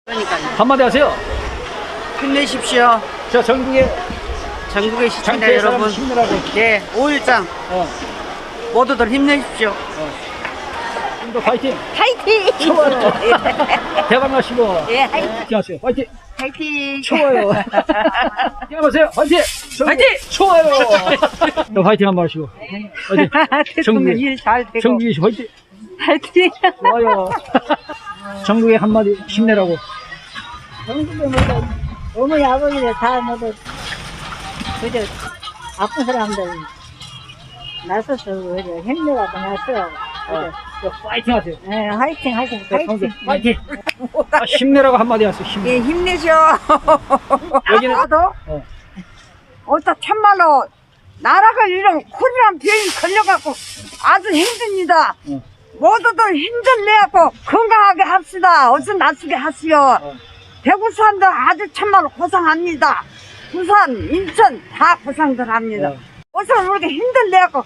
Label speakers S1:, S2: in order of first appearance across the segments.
S1: 그러니까요.
S2: 한마디 하세요.
S1: 힘내십시오.
S2: 저 전국에
S1: 전국의 시청자
S2: 장터의 사람
S1: 여러분.
S2: 힘내라고.
S1: 네, 5.13 모두들 힘내십시오.
S2: 좀더 파이팅.
S3: 파이팅!
S2: 좋아요. 대박 나시고.
S3: 예, 파이팅!
S2: 하세요. 파이팅.
S3: 파이팅!
S2: 좋아요. 안녕하세요. 파이팅. 파이팅. 좋아요. 또 파이팅 한번 하시고. 파이팅.
S3: 대통령 일잘 되고.
S2: 정국이 씨 파이팅.
S3: 파이팅!
S2: 좋아요. 전국에 한마디 힘내라고.
S3: 전국에 모두 어머니 아버지들 다 모두 그저 아픈 사람들 나서서 그저 힘내라고 나서
S2: 파이팅 하세요.
S3: 예, 화이팅 하세요. 파이팅!
S2: 파이팅. 힘내라고 한마디 하세요. 힘내.
S1: 예, 힘내셔.
S2: 여기는
S1: 나도 어따 참말로 나라가 이런 코로나 병이 걸려갖고 아주 힘듭니다. 모두들 힘들내갖고 건강하게 합시다. 어서 나서게 하시오. 대구 사람들 아주 참말로 고생합니다. 부산, 인천 다 고생들 합니다. 어서 우리가 힘들내갖고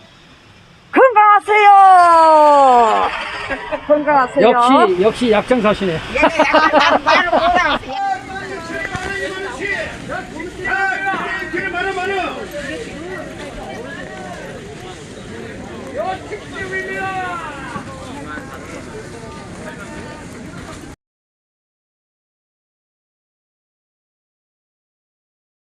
S1: 건강하세요. 건강하세요.
S2: 역시 약장사시네.
S1: 말을 못하세요.